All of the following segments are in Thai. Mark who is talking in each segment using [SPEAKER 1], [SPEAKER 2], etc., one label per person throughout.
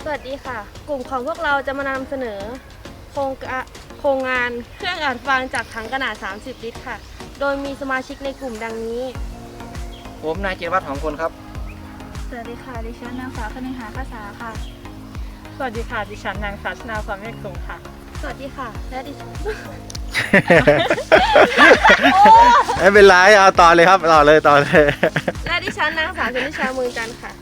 [SPEAKER 1] สวัสดีค่ะกลุ่มของพวกเราจะมานำเสนอโครงงานเครื่องอัดฟางจากถังขนาด30 ลิตรค่ะโดยมีสมาชิกในกลุ่มดังนี้
[SPEAKER 2] ผมนายจิรวัฒน์หอมพลครับ
[SPEAKER 3] สวัสดีค่ะดิฉันนางสาวคณิหาภาษาค่ะ
[SPEAKER 4] สวัสดีค่ะดิฉันนางสาวชนาความเมฆสูงค่ะ
[SPEAKER 1] สวัสดีค่ะและดิฉัน
[SPEAKER 5] ไม่เป็นไรเอาต่อเลยครับต่อเลย
[SPEAKER 1] และดิฉันนางสาวชนิชาเมืองจันทร์ค่ะ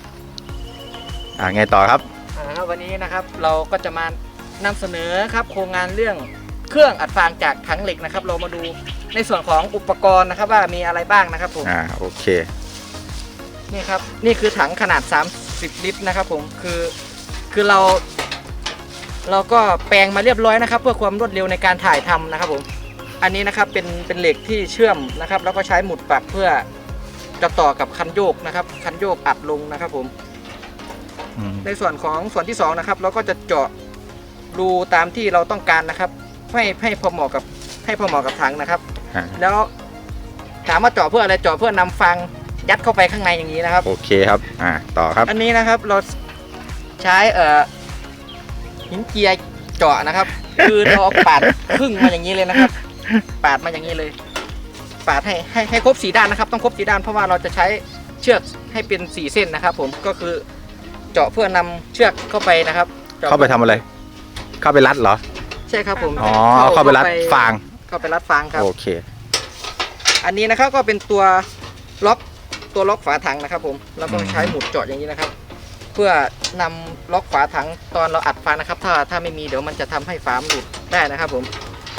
[SPEAKER 5] ไงต่อครับ
[SPEAKER 2] วันนี้นะครับเราก็จะมานำเสนอครับโครงงานเรื่องเครื่องอัดฟางจากถังเหล็กนะครับเรามาดูในส่วนของอุปกรณ์นะครับว่ามีอะไรบ้างนะครับผม
[SPEAKER 5] โอเค
[SPEAKER 2] นี่ครับนี่คือถังขนาด30 ลิตรนะครับผมคือเราก็แปลงมาเรียบร้อยนะครับเพื่อความรวดเร็วในการถ่ายทำนะครับผมอันนี้นะครับเป็นเหล็กที่เชื่อมนะครับแล้วก็ใช้หมุดปรับเพื่อจะต่อกับคันโยกนะครับคันโยกอัดลงนะครับผมในส่วนที่2นะครับเราก็จะเจาะรูตามที่เราต้องการนะครับให้พอเหมาะกับถังนะครับแล้วถามว่าเจาะเพื่ออะไรเจาะเพื่อนำฟางยัดเข้าไปข้างในอย่างนี้นะครับ
[SPEAKER 5] โอเคครับต่อครับ
[SPEAKER 2] อันนี้นะครับเราใช้หินเจียเจาะนะครับคือเราปาดครึ่งมาอย่างนี้เลยนะครับปาดมาอย่างนี้เลยปาดให้ครบ4ด้านนะครับต้องครบ4ด้านเพราะว่าเราจะใช้เชือกให้เป็น4เส้นนะครับผมก็คือเจาะเพื่อนำเชือกเข้าไปนะครับ
[SPEAKER 5] เข้าไปทำอะไรเข้าไปรัดเหรอ
[SPEAKER 2] ใช่ครับผม
[SPEAKER 5] เข้าไปรัดฟาง
[SPEAKER 2] ครับ
[SPEAKER 5] โอเค
[SPEAKER 2] อันนี้นะครับก็เป็นตัวล็อกฝาถังนะครับผมแล้วก็ใช้หมุดเจาะอย่างนี้นะครับเพื่อนำล็อกฝาถังตอนเราอัดฟางนะครับถ้าไม่มีเดี๋ยวมันจะทำให้ฝาหลุดได้นะครับผม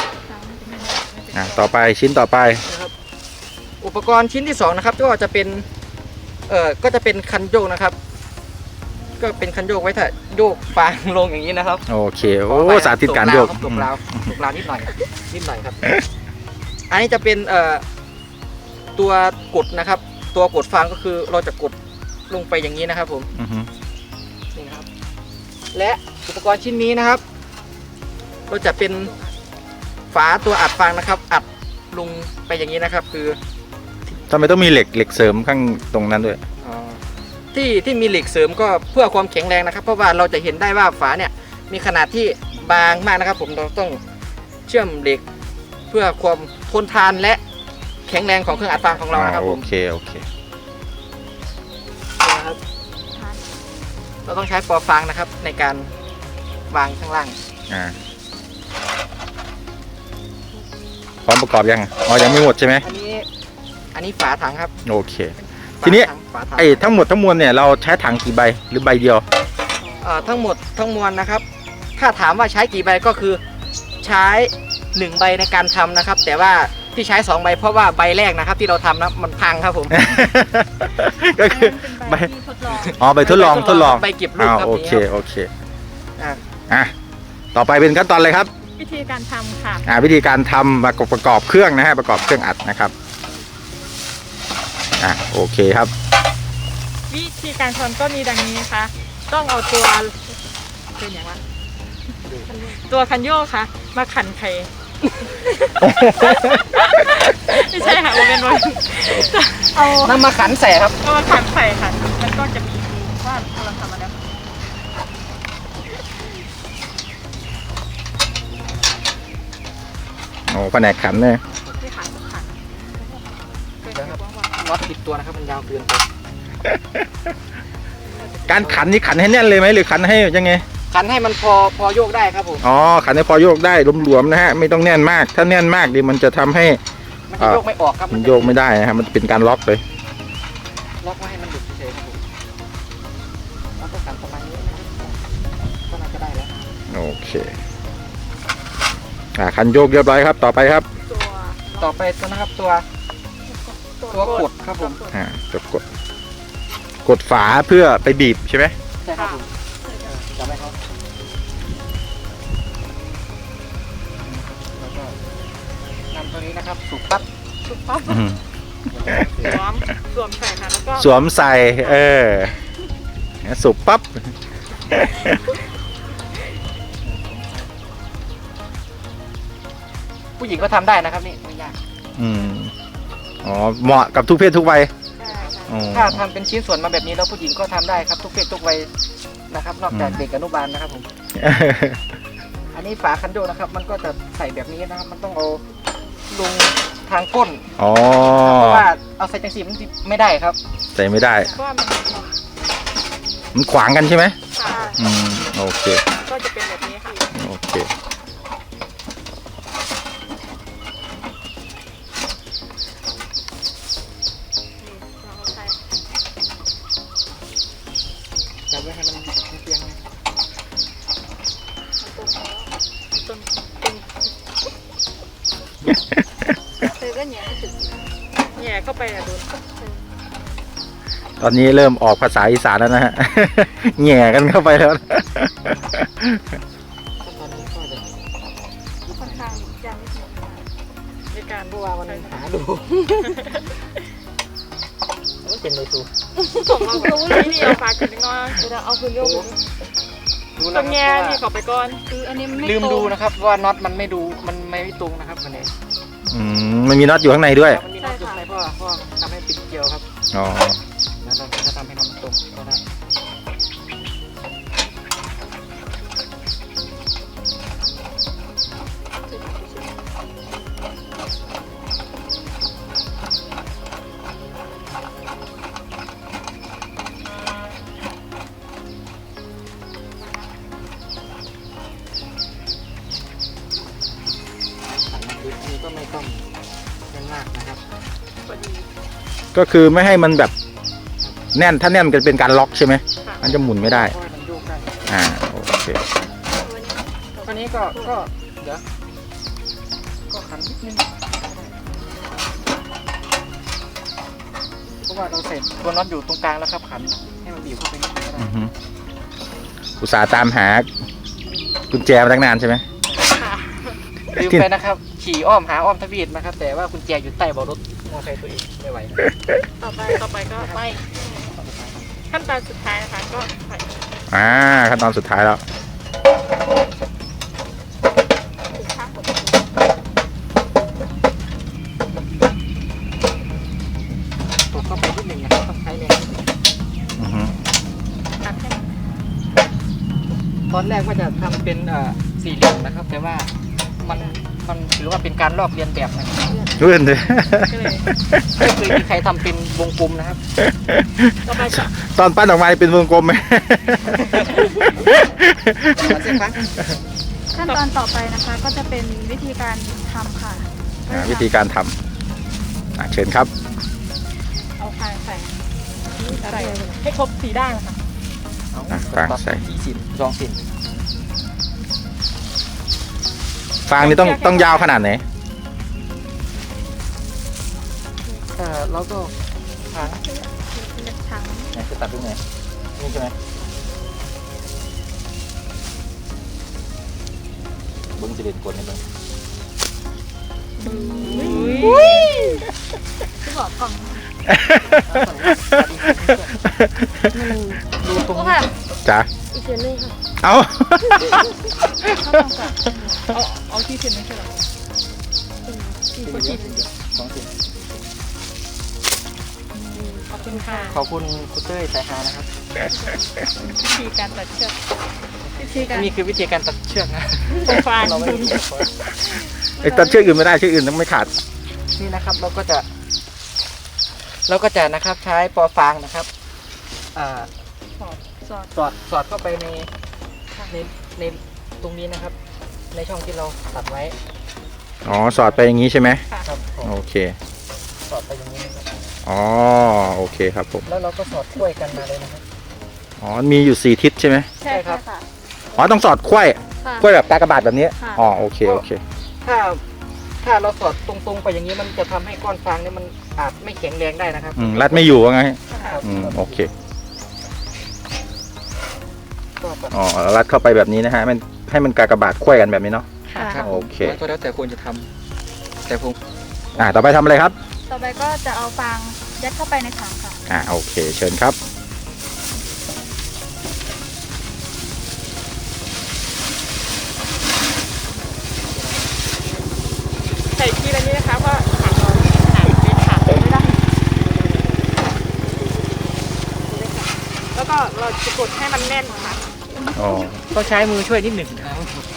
[SPEAKER 5] ต่อไปชิ้นต่อไป
[SPEAKER 2] นะครับอุปกรณ์ชิ้นที่2นะครับก็จะเป็นคันโยกนะครับก็เป็นคันโยกไว้ถ้าโยกฟางลงอย่างนี้นะครับ
[SPEAKER 5] โอเคโอ้สาธิตการโยก
[SPEAKER 2] ตกราวนิดหน่อยครับอันนี้จะเป็นตัวกดนะครับตัวกดฟางก็คือเราจะกดลงไปอย่างนี้นะครับผมนี่นะครับและอุปกรณ์ชิ้นนี้นะครับเราจะเป็นฝาตัวอัดฟางนะครับอัดลงไปอย่างนี้นะครับคือ
[SPEAKER 5] ทำไมต้องมีเหล็กเสริมข้างตรงนั้นด้วย
[SPEAKER 2] ที่มีเหล็กเสริมก็เพื่อความแข็งแรงนะครับเพราะว่าเราจะเห็นได้ว่าฝาเนี่ยมีขนาดที่บางมากนะครับผมเราต้องเชื่อมเหล็กเพื่อความทนทานและแข็งแรงของเครื่องอัดฟางของเรานะครับผม
[SPEAKER 5] โอเค
[SPEAKER 2] นะครับเราต้องใช้ปอฟางนะครับในการวางข้างล่าง
[SPEAKER 5] พร้อมประกอบยังยังไม่หมดใช่ไหม
[SPEAKER 2] อันนี้ฝาถังครับ
[SPEAKER 5] โอเคทีนี้ทั้งหมดทั้งมวลเนี่ยเราใช้ถังกี่ใบหรือใบเดียว
[SPEAKER 2] ทั้งหมดทั้งมวลนะครับถ้าถามว่าใช้กี่ใบก็คือใช้1ใบในการทำนะครับแต่ว่าที่ใช้2ใบเพราะว่าใบแรกนะครับที่เราทำนะมันพังครับผม
[SPEAKER 5] ก็คือใบใบทดลอง
[SPEAKER 2] ใบเก็บลูกครับ
[SPEAKER 5] โอเคต่อไปเป็นขั้นตอนอะไรครับ
[SPEAKER 4] วิธีการทำค่ะ
[SPEAKER 5] วิธีการทำประกอบเครื่องนะฮะประกอบเครื่องอัดนะครับโอเคครับ
[SPEAKER 4] วิธีการทำก็มีดังนี้นะคะต้องเอาตัวเป็นอย่างว่าตัวคันโยกค่ะมาขันไข่ไม่ใช่ค่ะมันเป็น
[SPEAKER 2] เอานำมาขันใส่ครับ
[SPEAKER 4] เอามาขันใส่ค่ะมันก็จะมีว่าเราทำมาแล้ว
[SPEAKER 5] แผนกขันเนี่ย
[SPEAKER 2] น็อตติดตัวนะครับมันยาวเกินไป
[SPEAKER 5] การขันนี่ขันให้แน่นเลยไหมหรือขันให้ยังไง
[SPEAKER 2] ขันให้มันพอโยกได้ครับผม
[SPEAKER 5] ขันให้พอโยกได้หลวมๆนะฮะไม่ต้องแน่นมากถ้าแน่นมากดิมันจะทำให้
[SPEAKER 2] มันโยกไม่ออกครับ
[SPEAKER 5] มันโยกไม่ได้นะครับมันเป็นการล็อกเลย
[SPEAKER 2] ล็อกไม่ให้มันหลุดเฉยๆครับผมแล้วก็ขันประมาณนี้ก็น่าจะได้แล้ว
[SPEAKER 5] โอเคขันโยกเรียบร้อยครับต่อไปครับ
[SPEAKER 2] ต่อไปตัวนะครับตัวกดครับผม
[SPEAKER 5] จะกดฝาเพื่อไปบีบใช่ไหม
[SPEAKER 2] ใช่ครับผมจำไว้ครับแล้วก็นำตัวนี้นะครับสูบปั๊บ
[SPEAKER 4] สวมใส่ค่ะแล้วก็
[SPEAKER 5] สวมใส่สูบปั๊บ
[SPEAKER 2] ผู้หญิงก็ทำได้นะครับนี่ไม่ยาก
[SPEAKER 5] เหมาะกับทุกเพศทุกวัย
[SPEAKER 2] ถ้าทำเป็นชิ้นส่วนมาแบบนี้แล้วผู้หญิงก็ทำได้ครับทุกเพศทุกวัยนะครับ นอกจากเด็กอนุบาลนะครับผม อันนี้ฝาคันโยกนะครับ มันก็จะใส่แบบนี้นะครับ มันต้องเอาลงทางก้น
[SPEAKER 5] อ๋อ
[SPEAKER 2] เพราะว่าเอาใส่จังสีมันไม่ได้ครับ
[SPEAKER 5] ใส่ไม่ได้
[SPEAKER 4] เพราะว่ามัน
[SPEAKER 5] มันขวางกันใช่ไหม
[SPEAKER 4] ค่ะ
[SPEAKER 5] อืมโอเค
[SPEAKER 4] ก็จะเป็นแบบนี้ค่ะ
[SPEAKER 5] โอเค
[SPEAKER 4] เราเอาใส่
[SPEAKER 2] จับไว้ให้มันเตียง
[SPEAKER 4] ต้น
[SPEAKER 3] เธอก็เหนียวไม่ถึง
[SPEAKER 4] แย่เข้าไปอะโดน
[SPEAKER 5] ตอนนี้เริ่มออกภาษาอีสานแล้วนะฮ ะ แหง่กันเข้าไปแล้วนะ
[SPEAKER 2] ตอนนี้ก็จะ
[SPEAKER 3] ค่อนข้างจะไม่ถึง
[SPEAKER 4] ในการ
[SPEAKER 2] เพราะว่ามันหาดู มันเป็นเลยตู
[SPEAKER 4] ผมเอารู้เลยนี่เอาฝากขึ้นน้อย
[SPEAKER 1] เดี๋ยวเราเอาคืนโยกไปดิ
[SPEAKER 2] ดู
[SPEAKER 4] ต
[SPEAKER 2] นะ
[SPEAKER 4] รงแง่
[SPEAKER 2] ครับ
[SPEAKER 4] นี่
[SPEAKER 2] ว่า
[SPEAKER 4] ขอไปก่อน
[SPEAKER 3] คืออันนี้มันไม่
[SPEAKER 2] ลืม
[SPEAKER 3] ตรง
[SPEAKER 2] ดูนะครับว่าน็อตมันไม่ดูมันไม่ตรงนะครับมันเอง
[SPEAKER 5] มันมีน็อตอยู่ข้างในด้วย
[SPEAKER 2] มันมีน็อตอยู่ในเพราะว่าทำให้ปิดเกลียวครับ
[SPEAKER 5] อ๋อ
[SPEAKER 2] แล้วเราจะทำให้น็อตมันตรงก็ได้นี่ก็ไม่ต้องแน่นมากนะครับ
[SPEAKER 4] พอดี
[SPEAKER 5] ก็คือไม่ให้มันแบบแน่น ถ้าแน่นมันจะเป็นการล็อกใช่ไหม
[SPEAKER 4] ค่ะ
[SPEAKER 5] มันจะหมุนไม่ได้
[SPEAKER 2] เพราะว่ามันโยกได้
[SPEAKER 5] โอเค
[SPEAKER 2] ตัวนี้ก็เดี๋ยวก็ขันนิดนึงเพราะว่าเราเสร็จตัวน็อตอยู่ตรงกลางแล้วครับขันให้มันบีบเข้าไปนิดนึงก็ได้
[SPEAKER 5] อือฮึอุตส่าห์ตามหากุญแจมาตั้งนานใช่ไหม
[SPEAKER 4] ค่ะ
[SPEAKER 2] ลืมไปนะครับ ขี่อ้อมหาอ้อมทวีตนะครับ แต่ว่ากุญแจอยู่ใต้เบาะรถมอเตอร์ไซค์ตัวเองไม่ไหว
[SPEAKER 4] ต่อไปก็ไปขั้นตอนสุดท้ายนะคะก็ใส่
[SPEAKER 5] ขั้นตอนสุดท้ายแล้ว
[SPEAKER 2] ตกเข้าไปนิดนึงนะครับต้องใช้แรงนิดนึง
[SPEAKER 5] อือฮึ
[SPEAKER 4] ตัดให้มัน
[SPEAKER 2] ตอนแรกว่าจะทำเป็นสี่เหลี่ยมนะครับ แต่ว่ามันถือว่าเป็นการลอกเลียนแบบนะครับ
[SPEAKER 5] เลื่อนเลย
[SPEAKER 4] ก็เลย
[SPEAKER 2] ไม่เคยมีใครทำเป็นวงกลมนะครับ
[SPEAKER 4] ต่อไปจะ
[SPEAKER 5] ตอนปั้นออกมาเป็นวงกลมไหม
[SPEAKER 2] มาสิครับ
[SPEAKER 3] ขั้นตอนต่อไปนะคะ ก็จะเป็นวิธีการทำค่ะ
[SPEAKER 5] วิธีการทำเชิญครับ
[SPEAKER 4] เอาคางใส่ใส่ให้ครบ4ด้านนะคะ
[SPEAKER 5] ฟางใส่
[SPEAKER 2] สี่สิบสองสิบ
[SPEAKER 5] ฟางนี่ต้องยาวขนาดไหน
[SPEAKER 2] แล้วก็หาง
[SPEAKER 3] ถัง
[SPEAKER 5] จะตัดตรงไหนนี่ใช่ไหมเบิ้งจะเด็ดกดให้เบิ้ง
[SPEAKER 3] ที่บอกกล่อง
[SPEAKER 2] ดูตรง
[SPEAKER 1] โอ้
[SPEAKER 2] นี้
[SPEAKER 1] ค่ะ
[SPEAKER 5] จ้ะ
[SPEAKER 1] อีกเสียงหนึงค่ะ
[SPEAKER 5] เอา
[SPEAKER 3] เข้าตรงกับ
[SPEAKER 4] เอาที่เทียนไม่ใช่เหรอที่คนที่
[SPEAKER 2] สองสิบ
[SPEAKER 4] ขอบคุณค่ะ
[SPEAKER 2] ขอบคุณคุณเต้ยสายฮานะครับ
[SPEAKER 4] วิธีการตัดเชือก
[SPEAKER 3] วิธีการ
[SPEAKER 2] นี่คือวิธีการตัดเชือกนะ
[SPEAKER 4] ตรงฟาง
[SPEAKER 2] เราไม่ได้
[SPEAKER 5] ไอ้ตัดเชือกอื่นไม่ได้เชือกอื่นต้องไม่ขาด
[SPEAKER 2] นี่นะครับเราก็จะนะครับใช้ปอฟางนะครับ
[SPEAKER 3] สอด
[SPEAKER 2] สอดเข้าไปในตรงนี้นะครับ ในช่องที่เราตัดไว้
[SPEAKER 5] อ๋อ สอดไปอย่างนี้ใช่ไหม
[SPEAKER 2] ครับผม
[SPEAKER 5] โอเค
[SPEAKER 2] สอดไปอย่างนี้นะครับ
[SPEAKER 5] อ๋อ โอเคครับผม
[SPEAKER 2] แล้วเราก็สอดกล้วยกันมาเลยนะครับ
[SPEAKER 5] อ๋อ มีอยู่4ทิศใช่ไหม
[SPEAKER 3] ใช่ค่ะ
[SPEAKER 5] อ๋อ ต้องสอดไขว้
[SPEAKER 1] ค่ะ
[SPEAKER 5] ไขว้แบบกากบาทแบบนี้
[SPEAKER 3] ค่ะ
[SPEAKER 5] อ๋อ โอเค โอเค
[SPEAKER 2] ถ้าเราสอดตรงๆไปอย่างนี้มันจะทำให้ก้อนฟางเนี่ยมันอาจไม่แข็งแรงได้นะครับ
[SPEAKER 5] รัดไม่อยู่ว่าไง
[SPEAKER 2] ครับ
[SPEAKER 5] โอเค
[SPEAKER 2] ก็แบบ
[SPEAKER 5] อ๋อแล้วรัดเข้าไปแบบนี้นะฮะมันให้มันกากบาทไขว้กันแบบนี้เนาะ
[SPEAKER 3] ค่ะ
[SPEAKER 2] ครับ
[SPEAKER 5] โอเค
[SPEAKER 2] ก็แล้วแต่ควรจะทำแต่ผม
[SPEAKER 5] ต่อไปทำอะไรครับ
[SPEAKER 3] ต่อไปก็จะเอาฟางยัดเข้าไปในถังค่ะ
[SPEAKER 5] โอเค เชิญครับ
[SPEAKER 4] ใส่ทีละนี้นะคะเพราะถังเราขนาดเป็นถังไม่ได้ แล้วก็เราจะกดให้มันแน่นค่ะ
[SPEAKER 5] อ๋อ
[SPEAKER 2] ต้องใช้มือช่วยนิดหนึ่งนะครับ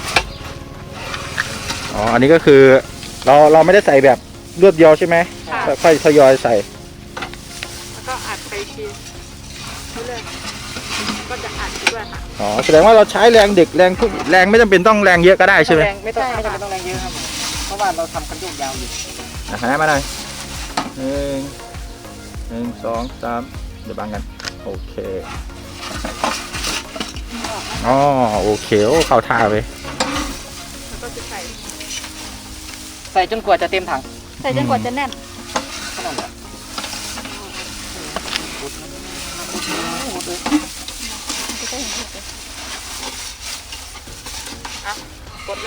[SPEAKER 5] อ๋อ อันนี้ก็คือเราไม่ได้ใส่แบบรวดเดียวใช่ไหม
[SPEAKER 4] ค่ะ
[SPEAKER 5] ค่อยๆทยอยใส่
[SPEAKER 4] แล้วก็อัดไปทีเรื่อยๆก็จะอัดไปด้วยค่ะ
[SPEAKER 5] อ๋อ แสดงว่าเราใช้แรงเด็กแรงทุกแรงไม่จำเป็นต้องแรงเยอะก็ได้ใช่ไหม
[SPEAKER 2] แรงไม่ต้องไม่จำเป็นต้องแรงเยอะครับผมเพราะว่าเราทำคันโยกยาวอยู่
[SPEAKER 5] หันหน้ามาหน่อยหนึ่งสองสามเดี๋ยวบังกัน โอเค อ๋อ โอเค โอ้เข้าท่าไป
[SPEAKER 4] แล้วก็จะใส่
[SPEAKER 2] ใส่จนกว่าจะเต็มถัง
[SPEAKER 3] ใส่จนกว่าจะแน่น
[SPEAKER 2] ขนาดนี้
[SPEAKER 4] กดเลย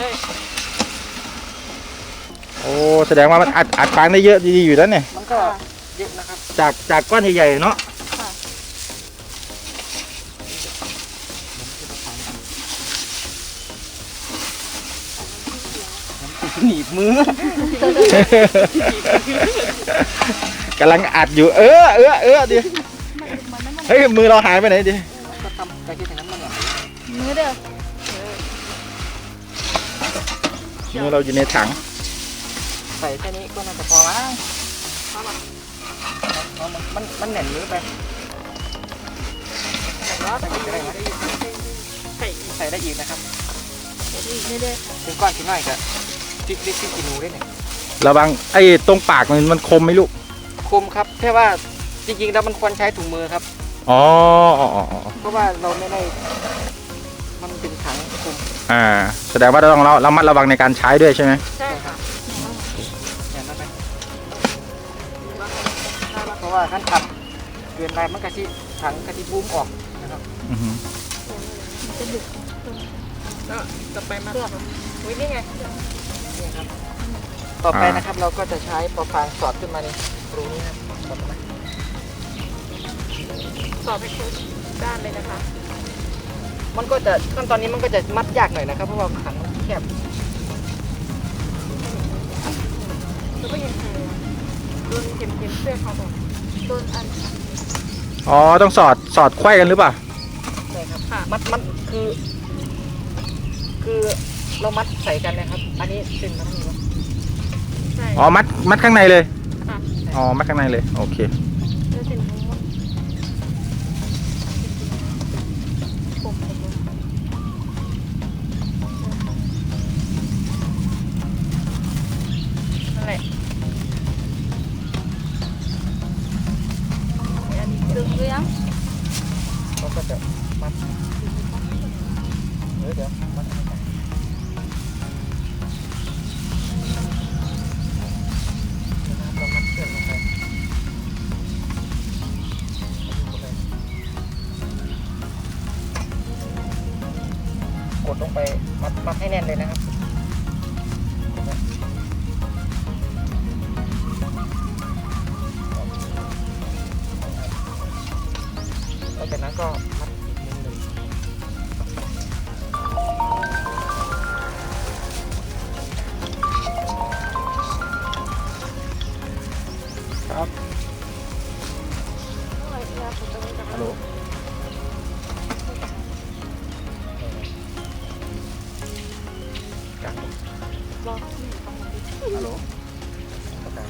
[SPEAKER 5] โอ้ แสดงว่ามันอัดฟางได้เยอะดีอยู่แล้วเนี่ย
[SPEAKER 2] มันก็เยอะนะครับ
[SPEAKER 5] จากก้อนใหญ่ๆเนาะ
[SPEAKER 3] ค่ะ
[SPEAKER 2] หนีบมือก
[SPEAKER 5] ำลังอัดอยู่ ดิเฮ้ย มือเราหายไปไหนดิ
[SPEAKER 2] ก็ทำไปที่อย่างนั้นมันเนี่ย
[SPEAKER 3] มือเด้อ
[SPEAKER 5] มือเราอยู่ในถัง
[SPEAKER 2] ใส่แค่นี้ก็น่าจะพอมั้งเอามันแหน่นมือไป
[SPEAKER 4] แล้วใส่อีกได้ไหมใส่อีก
[SPEAKER 2] ใส่ได้อีกนะครับ
[SPEAKER 3] เด้อ
[SPEAKER 2] ถึงก้อนชิ้นหน่อยก็พริกกินูได้หนึ่ง
[SPEAKER 5] ระวังไอ้ตรงปากมันคมไหมลูก
[SPEAKER 2] คมครับแค่ว่าจริงๆแล้วมันควรใช้ถุงมือครับ
[SPEAKER 5] อ๋อ
[SPEAKER 2] เพราะว่าเราไม่ได้มันเป็นถังคม
[SPEAKER 5] แสดงว่าเราต้องระมัดระวังในการใช้ด้วยใช่ไหม
[SPEAKER 4] ใช่ค่ะ
[SPEAKER 2] อย่างนั้นไหมเพราะว่าขั้นต่ำเกินไปมันกะทิถังกะทิบูมออกนะครับ
[SPEAKER 5] อือฮึ
[SPEAKER 4] แล้วจะไปมาอุ้ยนี่ไง
[SPEAKER 2] นี่ครับต่อไปนะครับเราก็จะใช้ปอฟางสอดขึ้นมาในรูนี้ครับสอดเข้ามา
[SPEAKER 4] สอบให้ครบด้านเลยนะคะ
[SPEAKER 2] มันก็จะขั้นตอนนี้มันก็จะมัดยากหน่อยนะครับเพราะว่าถังมันแคบ
[SPEAKER 4] แล้วก็ยังไงโดนเข็มเสื้อเขาบอกโดนอัน
[SPEAKER 5] อ๋อ ต้องสอดไขว้กันหรือเปล่า
[SPEAKER 2] ใช่ครับ
[SPEAKER 4] ค่ะ
[SPEAKER 2] มัดคือเรามัดใส่กันนะครับ อันนี้เป็นมันนี่วะ
[SPEAKER 4] ใช่
[SPEAKER 5] อ๋อ มัดข้างในเลย
[SPEAKER 4] ค่ะ
[SPEAKER 5] อ๋อ มัดข้างในเลย โอเค
[SPEAKER 4] จะเป็นทั้งหมดนั่นแหละ
[SPEAKER 3] ดึงหรือยัง
[SPEAKER 2] เราก็จะมัดเดี๋ยวมัดให้กันนะครับเรามัดเชือกลงไปกดลงไปมัดให้แน่นเลยนะครับแล้วจากนั้นก็มัดอีกนิดนึง
[SPEAKER 5] ครับ ฮัลโหล
[SPEAKER 2] กลางฮัลโหลกลาง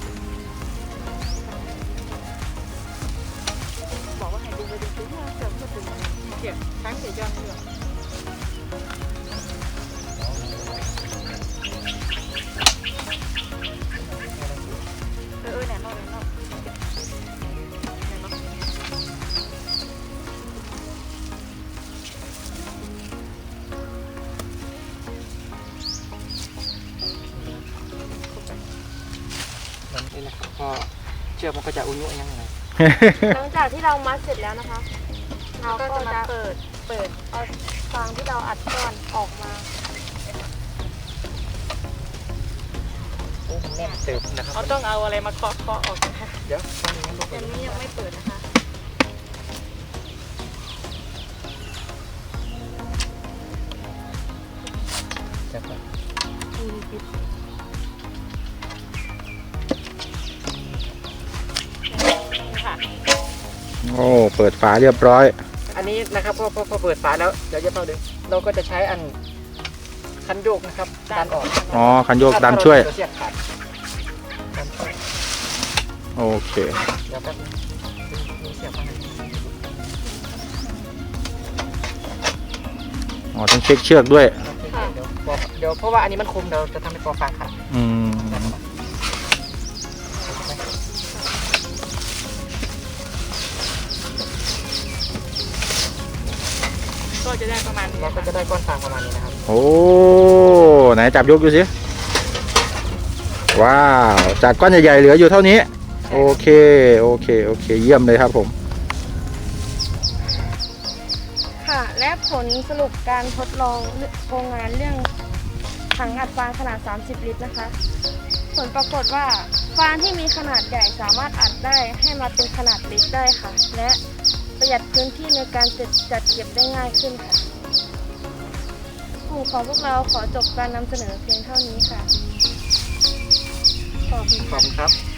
[SPEAKER 4] บอกว่าให้ดูไปดูซิว่าเสริมก็ถึงเกี่ยวทั้งเสียยอนเหลือแหน่นอน
[SPEAKER 2] นี่นะครับก็เชือกมันก็จะอุ่นๆยังไง
[SPEAKER 1] หลังจากที่เรามัดเสร็จแล้วนะคะ เราก็จะเปิดเอาฟางที่เราอัดก้อนออกมา
[SPEAKER 2] โอ้มันแน่นเติบนะครับ
[SPEAKER 4] เขาต้องเอาอะไรมาเคาะออกนะคะ
[SPEAKER 2] เดี๋ยวตรงนี้ลงไป
[SPEAKER 1] อันนี้ยังไม่เปิดนะคะ
[SPEAKER 2] จับไป
[SPEAKER 4] ค่ะ
[SPEAKER 5] โอ้ เปิดฝาเรียบร้อย
[SPEAKER 2] อันนี้นะครับพอเปิดฝาแล้วเดี๋ยวจะเข้าดึงเราก็จะใช้อันคันโยกนะครับดันออก
[SPEAKER 5] อ๋อคันโยกดันช่วย
[SPEAKER 2] เสียบขาดดันช่วย
[SPEAKER 5] โอเค
[SPEAKER 2] เดี๋ยวแป๊บนึงมีเสียบมาให้
[SPEAKER 5] อ๋อต้องเช็คเชือกด้วย
[SPEAKER 2] เดี๋ยวเพราะว่าอันนี้มันคมเดี๋ยวจะทำให้ปอฟางขาด
[SPEAKER 5] อืม
[SPEAKER 4] ก็จะได้ประมาณนี้
[SPEAKER 2] เราก็จะได้ก้อนฟางประมาณนี้นะครับ
[SPEAKER 5] โอ้ไหนจับยกดูสิว้าวจากก้อนใหญ่ๆเหลืออยู่เท่านี้โอเคโอเคโอเคเยี่ยมเลยครับผม
[SPEAKER 1] ค่ะ และผลสรุปการทดลองโครงงานเรื่องถังอัดฟางขนาด 30 ลิตรนะคะ ผลปรากฏว่าฟางที่มีขนาดใหญ่สามารถอัดได้ให้มาเป็นขนาดลิตรได้ค่ะ และประหยัดพื้นที่ในการจัดเก็บได้ง่ายขึ้นค่ะกลุ่มของพวกเราขอจบการนำเสนอเพียงเท่านี้ค่ะ ขอบคุณ
[SPEAKER 2] ขอบ
[SPEAKER 1] ค่ะ
[SPEAKER 2] คุณครับ